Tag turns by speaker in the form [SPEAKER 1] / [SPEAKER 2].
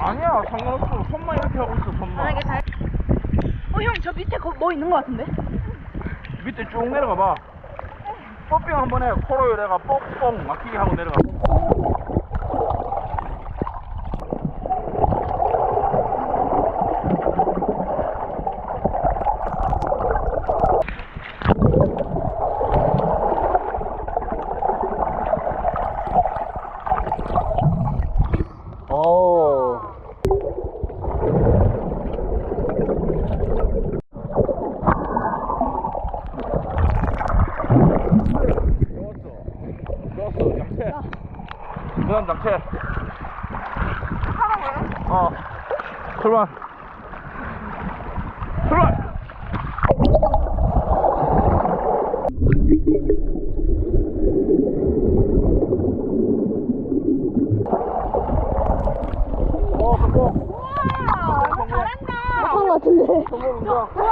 [SPEAKER 1] 아니야, 상관없어. 손만 이렇게 하고 있어, 손만.
[SPEAKER 2] 만약에 잘. 형, 저 밑에 뭐 있는 거 같은데?
[SPEAKER 1] 밑에 쭉 내려가 봐. 뽀삥 한번 해. 코로 내가 뽕뽕 막히게 하고 내려가. 오. 좋았어, 장체. 그 다음 장체. 하라고요? 출발. 출발! 성공.
[SPEAKER 2] 우와, 잘한다. 못한 거 같은데.
[SPEAKER 1] 성공, 인정.